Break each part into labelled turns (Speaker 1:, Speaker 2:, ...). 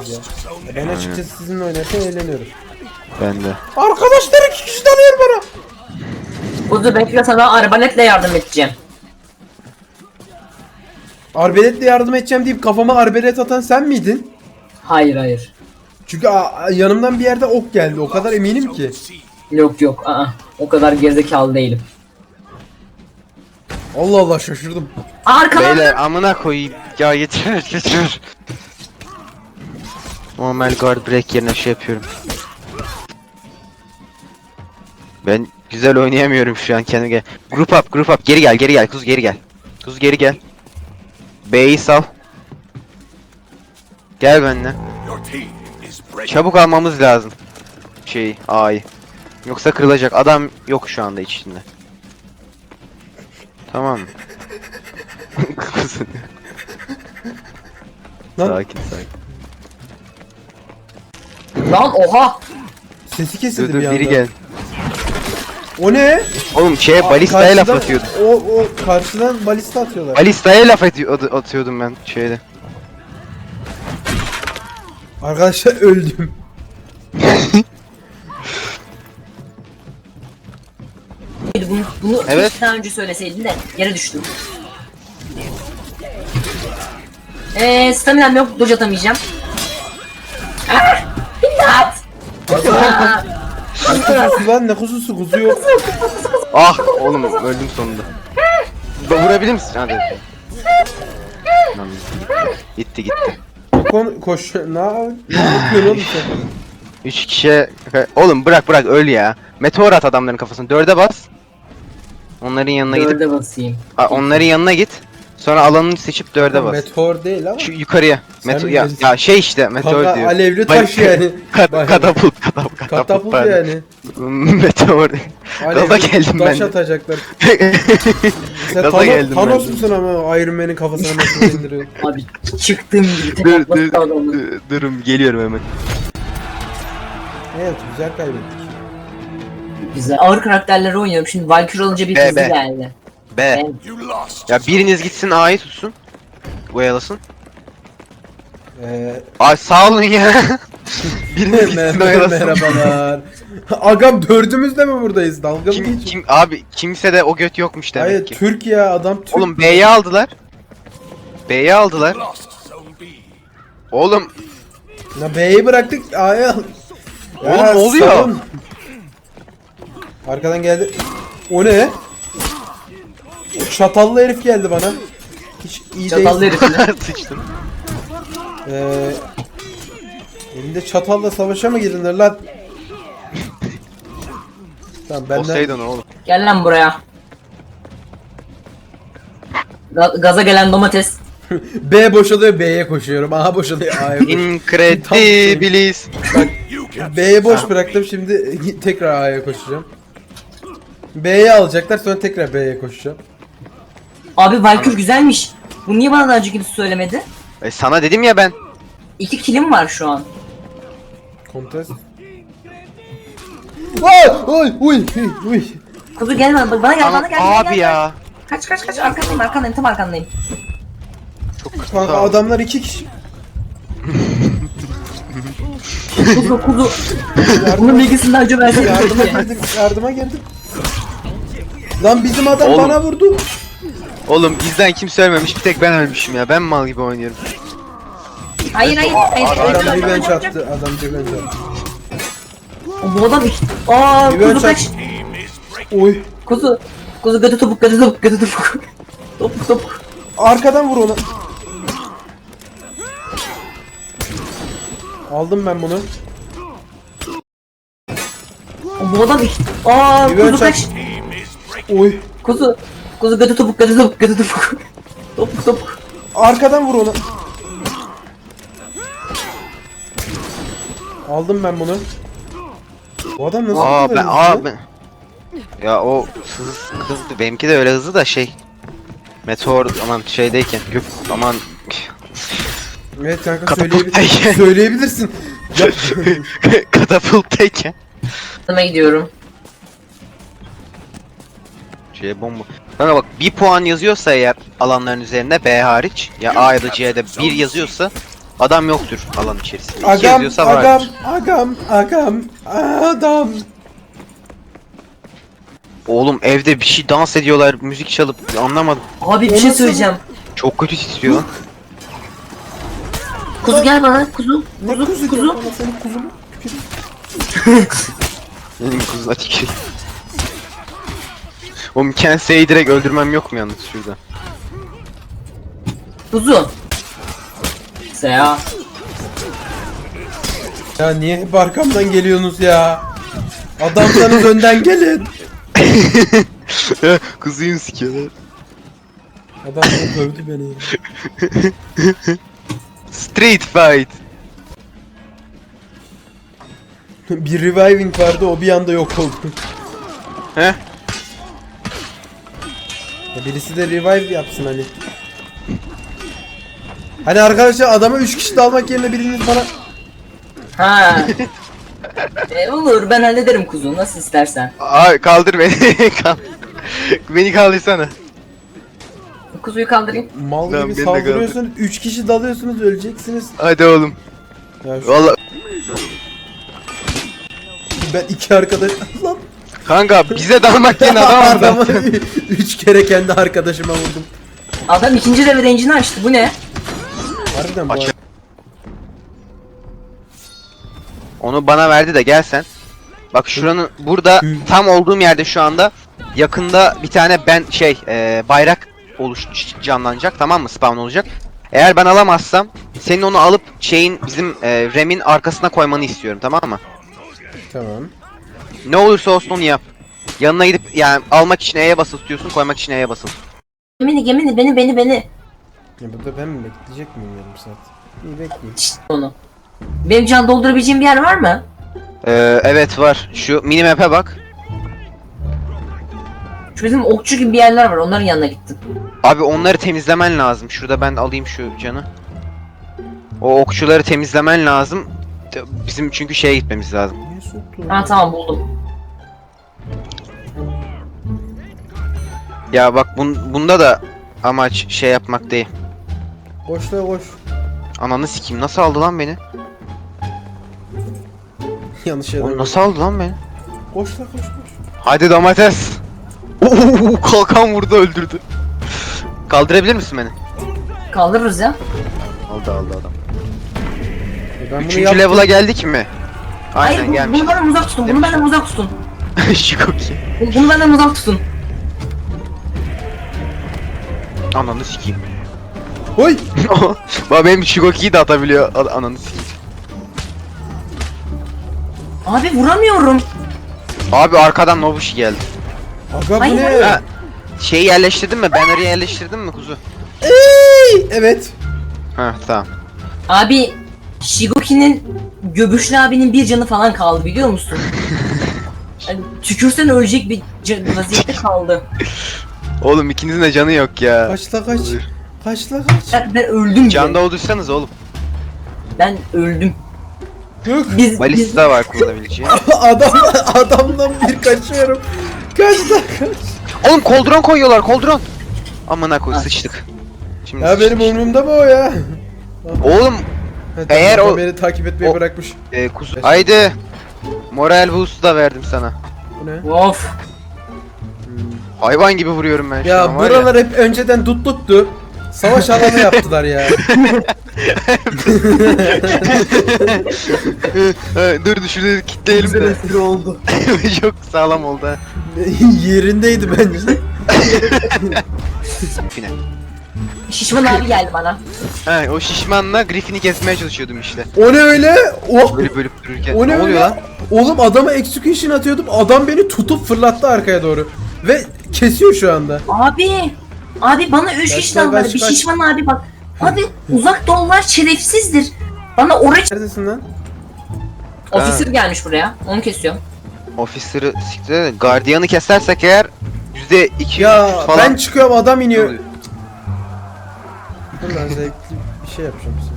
Speaker 1: oynayacağız ya. Ben açıkçası sizinle oynarken eğleniyorum.
Speaker 2: Ben de.
Speaker 1: Arkadaşlar 2 kişi tanıyor bana.
Speaker 3: Kuzu bekle, sana arbaletle yardım edeceğim.
Speaker 1: Arbeletle yardım edeceğim deyip kafama arbelet atan sen miydin?
Speaker 3: Hayır hayır.
Speaker 1: Çünkü yanımdan bir yerde ok geldi. O kadar eminim ki.
Speaker 3: Yok yok. O kadar gerizekalı değilim.
Speaker 1: Allah Allah şaşırdım.
Speaker 3: Arkadan.
Speaker 2: Beyler amına koyayım. Ya yeter yeter. Normal guard break yerine şey yapıyorum. Ben güzel oynayamıyorum şu an kendime. Group up geri gel Kuz geri gel. Kuz geri gel. B'yi sal. Gel benimle. Çabuk almamız lazım. A'yı. Yoksa kırılacak. Adam yok şu anda içinde. Tamam mı?
Speaker 1: Lan
Speaker 2: Sakin.
Speaker 3: Lan oha.
Speaker 1: sesi kesildi
Speaker 2: Dur
Speaker 1: bir anda.
Speaker 2: biri gel.
Speaker 1: O ne?
Speaker 2: Oğlum balistaya laf
Speaker 1: Karşıdan-
Speaker 2: atıyordum.
Speaker 1: O karşıdan balista atıyorlar.
Speaker 2: Balistaya laf atıyordum ben şeyde.
Speaker 1: Arkadaşlar öldüm.
Speaker 3: Bunu
Speaker 2: Evet.
Speaker 3: hiç daha önce söyleseydin de yere düştüm. Staminam yok, dodge atamayacağım. İmdat!
Speaker 1: Kuzusu lan ne kuzusu kuzu yok.
Speaker 2: Ah oğlum öldüm sonunda. Vurabilir misin? Hadi. Lan, gitti.
Speaker 1: Koş. Ne yapıyorsun oğlum sen?
Speaker 2: 3 kişiye... Oğlum bırak öl ya. Meteor at adamların kafasına. 4'e bas. Onların yanına gidip...
Speaker 3: Dörde basayım.
Speaker 2: Onların yanına git. Sonra alanını seçip 4'e bas.
Speaker 1: Meteor değil ama.
Speaker 2: Şu yukarıya.
Speaker 1: Sen mi
Speaker 2: Ya
Speaker 1: gelirsin?
Speaker 2: şey işte meteor
Speaker 1: Kanka,
Speaker 2: diyor.
Speaker 1: alevli taş yani. Bayağı.
Speaker 2: Katapult
Speaker 1: Katapult
Speaker 2: pardon.
Speaker 1: yani.
Speaker 2: Meteor. Gaza
Speaker 1: Alevli
Speaker 2: geldim ben
Speaker 1: taş
Speaker 2: de.
Speaker 1: atacaklar. Sen
Speaker 2: Gaza geldim ben
Speaker 1: Thanos
Speaker 2: de.
Speaker 1: musun ama Iron Man'in kafasına nasıl indiriyor?
Speaker 3: Abi çıktığım gibi tek
Speaker 2: Dur,
Speaker 3: atması adamı.
Speaker 2: Durun geliyorum hemen.
Speaker 1: Evet güzel kaybettik.
Speaker 3: Güzel. Ağır karakterleri oynuyorum. Şimdi Valkyrie olunca bir
Speaker 2: Be,
Speaker 3: hızlı
Speaker 2: be.
Speaker 3: geldi.
Speaker 2: B. Ya biriniz gitsin A'yı tutsun. Oyalasın. Ay sağ olun ya. Biriniz gitsin oyalasın.
Speaker 1: Merhabalar. Agam dördümüz de mi buradayız? Dalga mı geçiyorsun?
Speaker 2: Abi kimse de o göt yokmuş demek
Speaker 1: Hayır
Speaker 2: ki.
Speaker 1: Türk ya adam Türk.
Speaker 2: Oğlum B'yi aldılar. Oğlum
Speaker 1: Ya B'yi bıraktık A'ya al.
Speaker 2: Oğlum, ne oluyor?
Speaker 1: salın. Arkadan geldi. O ne? Çatallı herif geldi bana. Hiç iyi
Speaker 3: Çatallı
Speaker 1: değil.
Speaker 3: herifle.
Speaker 2: sıçtım.
Speaker 1: Elinde çatalla savaşa mı girdin lan? Tamam benden.
Speaker 2: Poseidon oğlum.
Speaker 3: Gel lan buraya. Gaza gelen domates.
Speaker 1: B boşalıyor B'ye koşuyorum. A boşalıyor A'ya koşuyorum.
Speaker 2: Incredibilis.
Speaker 1: Bak B'ye boş bıraktım şimdi tekrar A'ya koşacağım. B'ye alacaklar sonra tekrar B'ye koşacağım.
Speaker 3: Abi Valkyrie güzelmiş. Bu niye bana daha önce kimse söylemedi?
Speaker 2: Sana dedim ya ben.
Speaker 3: 2 killim var şu an.
Speaker 1: Kontes. Oy uy.
Speaker 3: Kuzu gel bana gel bana gel.
Speaker 2: Abi ya.
Speaker 3: Kaç arkandayım tam arkandayım.
Speaker 2: Çok kötü.
Speaker 1: Kanka adamlar 2 kişi.
Speaker 3: Kuzu. Bunun bilgisini daha önce versene.
Speaker 1: Yardıma girdim. Lan bizim adam
Speaker 2: Oğlum.
Speaker 1: bana vurdu.
Speaker 2: Oğlum bizden kimse ölmemiş bir tek ben ölmüşüm ya. Ben mal gibi oynuyorum.
Speaker 3: Hayır.
Speaker 1: Adam revenge attı. Adam revenge attı.
Speaker 3: Bu adam
Speaker 1: Revenge
Speaker 3: kuzu kaç.
Speaker 1: attı. Oy.
Speaker 3: Kuzu götü topuk. Topuk.
Speaker 1: Arkadan vur onu. Aldım ben bunu.
Speaker 3: Bu adam
Speaker 1: Revenge
Speaker 3: kuzu kaç.
Speaker 1: attı. Oy.
Speaker 3: Kuzu götü topuk. Topuk.
Speaker 1: Arkadan vur onu. Aldım ben bunu. Bu adam nasıl bu kadar hızlı?
Speaker 2: Ben. Ya o hızlı. Benimki de öyle hızlı da şey. Meteor aman şeydeyken aman
Speaker 1: Evet kanka
Speaker 2: Katapulttayken.
Speaker 1: söyleyebilirsin. Ya,
Speaker 2: katapulttayken.
Speaker 3: Yanıma gidiyorum.
Speaker 2: Bomba. Kanka bak 1 puan yazıyorsa eğer alanların üzerinde B hariç ya A ya da C'de 1 yazıyorsa Adam yoktur alan içerisinde. İki
Speaker 1: Agam,
Speaker 2: yazıyorsa vardır.
Speaker 1: agam, adam.
Speaker 2: Oğlum evde bir şey dans ediyorlar, müzik çalıp anlamadım.
Speaker 3: Abi bir
Speaker 1: O
Speaker 3: şey
Speaker 1: nasıl-
Speaker 3: söyleyeceğim.
Speaker 2: Çok kötü titriyor lan.
Speaker 3: Kuzu gel bana. Kuzu.
Speaker 1: Ne kuzu?
Speaker 3: Kuzu.
Speaker 1: Bana senin kuzunu.
Speaker 2: Benim kuzuna tükür. Oğlum Kensei'yi direkt öldürmem yok mu yalnız şurada?
Speaker 3: Kuzu. Seya.
Speaker 1: Ya niye hep arkamdan geliyorsunuz ya? Adamsanız önden gelin.
Speaker 2: Kuzuyu sikiyorlar.
Speaker 1: Adam dövdü beni ya.
Speaker 2: Street fight.
Speaker 1: Bir reviving vardı, o bir anda yok oldu.
Speaker 2: Heh.
Speaker 1: Ya birisi de revive yapsın hani. Hani arkadaşlar adama 3 kişi dalmak yerine biriniz bana...
Speaker 3: Ha. Olur ben hallederim kuzu nasıl istersen.
Speaker 2: Aa kaldır beni. Beni kaldırsana.
Speaker 3: Kuzuyu kaldırayım.
Speaker 1: Mal
Speaker 2: Lan
Speaker 1: gibi
Speaker 2: beni de
Speaker 1: saldırıyorsunuz, 3 kişi dalıyorsunuz, öleceksiniz.
Speaker 2: Hadi oğlum.
Speaker 1: Ya şu,
Speaker 2: Vallahi
Speaker 1: ben 2 arkadaş... Lan
Speaker 2: kanka bize dalmak yerine adam
Speaker 1: adamı
Speaker 2: vurdu.
Speaker 1: 3 kere kendi arkadaşıma vurdum.
Speaker 3: Adam ikinci level engine'i açtı bu ne?
Speaker 1: Harbiden bu
Speaker 2: Aç.
Speaker 1: arada.
Speaker 2: Onu bana verdi de gel sen. Bak şuranın burada tam olduğum yerde şu anda yakında bir tane bayrak canlanacak, tamam mı, spawn olacak. Eğer ben alamazsam senin onu alıp bizim Rem'in arkasına koymanı istiyorum, tamam mı?
Speaker 1: Tamam.
Speaker 2: Ne olursa olsun onu yap. Yanına gidip yani almak için E'ye basılı tutuyorsun, koymak için E'ye basılı.
Speaker 3: Beni.
Speaker 1: Ya burada ben mi bekleyecek miyim yarım saat? İyi bekleyeyim.
Speaker 3: Şşt onu. Benim can doldurabileceğim bir yer var mı?
Speaker 2: Evet var. Şu minimap'e bak.
Speaker 3: Şu bizim okçu gibi bir yerler var onların yanına gittim.
Speaker 2: Abi onları temizlemen lazım. Şurada ben alayım şu canı. O okçuları temizlemen lazım. Bizim çünkü şeye gitmemiz lazım.
Speaker 1: Niye soktu?
Speaker 3: Ha tamam buldum.
Speaker 2: Ya bak bunda da amaç şey yapmak değil.
Speaker 1: Koş la koş.
Speaker 2: Ananı sikeyim, nasıl aldı lan beni?
Speaker 1: Yanlış yere.
Speaker 2: Oğlum nasıl aldı lan beni?
Speaker 1: Koş la koş.
Speaker 2: Hadi domates. Oo, kalkan vurdu, öldürdü. Kaldırabilir misin beni?
Speaker 3: Kaldırırız ya.
Speaker 2: Aldı adam.
Speaker 1: Ben bunu
Speaker 2: 3.
Speaker 1: yaptım.
Speaker 2: level'a geldik mi? Aynen
Speaker 3: Hayır bunu
Speaker 2: gelmiş.
Speaker 3: benden uzak tutun. Bunu benden uzak tutun.
Speaker 2: Şikoki.
Speaker 3: Bunu benden uzak tutun.
Speaker 2: Ananı sikeyim.
Speaker 1: Oy!
Speaker 2: Bak benim Shikoki'yi de atabiliyor. Ananı sikeyim.
Speaker 3: Abi vuramıyorum.
Speaker 2: Abi arkadan Nobushi geldi.
Speaker 1: Aga bu
Speaker 3: Hayır,
Speaker 1: ne?
Speaker 3: hayır.
Speaker 2: Ha, şeyi yerleştirdin mi? Banner'ı yerleştirdin mi kuzu?
Speaker 1: Ey! Evet.
Speaker 2: Ha tamam.
Speaker 3: Abi Shigoki'nin Göbüşlü abinin bir canı falan kaldı biliyor musun? Yani tükürsen ölecek bir vaziyette kaldı.
Speaker 2: Oğlum ikinizin de canı yok ya.
Speaker 1: Kaç la kaç. Kaç la kaç.
Speaker 3: Ben öldüm.
Speaker 2: Canda olduysanız oğlum.
Speaker 3: Ben öldüm.
Speaker 1: Yok.
Speaker 3: Biz
Speaker 2: Balista var kullanabileceği.
Speaker 1: Adamdan bir kaçıyorum. Kaç la kaç.
Speaker 2: Oğlum koldron koyuyorlar, koldron. Amına koy, sıçtık. Şimdi
Speaker 1: Ya benim
Speaker 2: sıçtık.
Speaker 1: umurumda mı o ya?
Speaker 2: Oğlum
Speaker 1: Ha,
Speaker 2: Eğer
Speaker 1: tamam,
Speaker 2: o-
Speaker 1: beni takip etmeyi
Speaker 2: o-
Speaker 1: bırakmış.
Speaker 2: kuzu. Haydi. Moral boost da verdim sana.
Speaker 1: Bu ne?
Speaker 3: of.
Speaker 2: Hayvan gibi vuruyorum ben şu
Speaker 1: Ya
Speaker 2: an var
Speaker 1: buralar hep önceden dutluktu. Savaş alanı yaptılar ya.
Speaker 2: Dur şurada kitleyelim de.
Speaker 3: oldu.
Speaker 2: Çok sağlam oldu ha.
Speaker 1: Yerindeydi bence.
Speaker 2: Fine.
Speaker 3: Şişman abi geldi bana.
Speaker 2: Ha, o şişmanla Griffin'i kesmeye çalışıyordum işte.
Speaker 1: O ne öyle? Oh!
Speaker 2: Böyle bölüp dururken.
Speaker 1: O ne
Speaker 2: ne oluyor
Speaker 1: öyle?
Speaker 2: lan?
Speaker 1: Oğlum adama execution atıyordum. Adam beni tutup fırlattı arkaya doğru. Ve kesiyor şu anda.
Speaker 3: Abi bana 3 kişi
Speaker 1: Kaç,
Speaker 3: dalmadı.
Speaker 1: kaç,
Speaker 3: Bir
Speaker 1: kaç.
Speaker 3: şişman abi bak. Abi uzak doğular şerefsizdir. Bana oraya
Speaker 1: Neredesin lan?
Speaker 3: ofisir gelmiş buraya. Onu kesiyorum.
Speaker 2: Officer'ı siktir de Guardian'ı kesersek eğer %200
Speaker 1: Ya
Speaker 2: falan.
Speaker 1: ben çıkıyorum adam
Speaker 2: Ne
Speaker 1: iniyor.
Speaker 2: oluyor?
Speaker 1: Dur lan zevkli bir şey yapacağım size.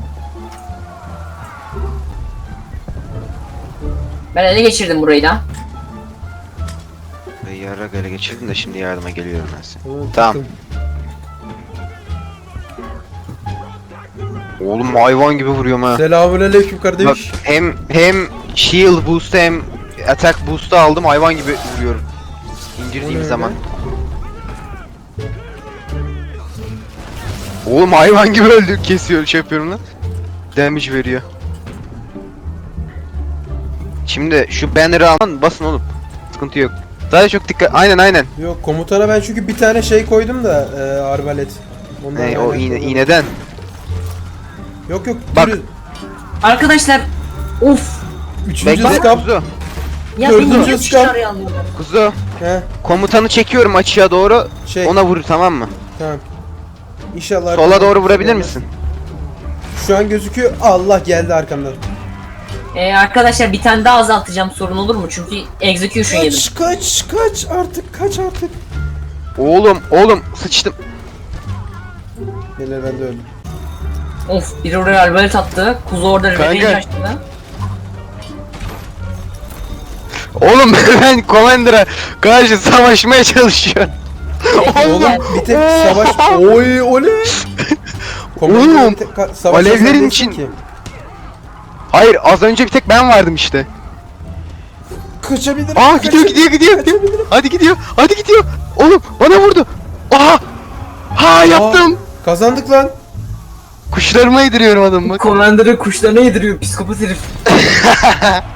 Speaker 3: Ben ele geçirdim burayı da.
Speaker 2: Yarrak ele geçirdim de şimdi yardıma geliyorum ben sana.
Speaker 1: Tamam.
Speaker 2: Tamam.
Speaker 1: tuttum.
Speaker 2: Oğlum hayvan gibi vuruyorum ha.
Speaker 1: Selamünaleyküm
Speaker 2: Bak
Speaker 1: kardeş.
Speaker 2: hem shield boost'u hem attack boost'u aldım, hayvan gibi vuruyorum. İndirdiğim
Speaker 1: öyle?
Speaker 2: zaman. Oğlum hayvan gibi öldü, kesiyor, şey yapıyorum lan. Damage veriyor. Şimdi şu banner'ı alın, basın oğlum. Sıkıntı yok. Daha çok dikkat. Aynen.
Speaker 1: Yok komutana ben çünkü bir tane şey koydum da arbalet. Ondan
Speaker 2: O
Speaker 1: aynen
Speaker 2: iğne,
Speaker 1: koydum.
Speaker 2: iğneden.
Speaker 1: Yok
Speaker 2: Bak.
Speaker 3: Arkadaşlar of.
Speaker 1: Üçüncü
Speaker 2: Bekle
Speaker 1: skap.
Speaker 2: kuzu.
Speaker 3: Ya
Speaker 1: Dördüncü
Speaker 3: beni niye
Speaker 1: skam.
Speaker 3: dışarıya alıyorlar?
Speaker 2: Kuzu.
Speaker 1: He
Speaker 2: Komutanı çekiyorum açığa doğru.
Speaker 1: şey
Speaker 2: Ona vur, tamam mı?
Speaker 1: tamam. İnşallah.
Speaker 2: Sola
Speaker 1: arkamdan
Speaker 2: doğru vurabilir
Speaker 1: gelmez.
Speaker 2: misin?
Speaker 1: Şu an gözüküyor. Allah geldi arkamdan.
Speaker 3: Arkadaşlar bir tane daha azaltacağım, sorun olur mu? Çünkü execution yedim.
Speaker 1: Kaç kaç artık.
Speaker 2: Oğlum sıçtım.
Speaker 1: Neler ben de öldüm.
Speaker 3: Of, biri oraya arbalet attı. Kuzu orada
Speaker 2: Kanka.
Speaker 3: revenge açtı.
Speaker 2: Oğlum ben Commander'a karşı savaşmaya çalışıyorum.
Speaker 1: Oğlum bir tek savaş. Oy oley.
Speaker 2: Oğlum,
Speaker 1: Bir tek savaşa
Speaker 2: alevlerin
Speaker 1: sen değilsin
Speaker 2: için-
Speaker 1: ki.
Speaker 2: Hayır, az önce bir tek ben vardım işte.
Speaker 1: Kaçabilirim.
Speaker 2: Aa gidiyor. Hadi gidiyor. Oğlum bana vurdu. Aha. Ha yaptım.
Speaker 1: Kazandık lan.
Speaker 2: Kuşlarıma yediriyorum adamı bak.
Speaker 3: Commander'ı kuşlarına yediriyor psikopat herif.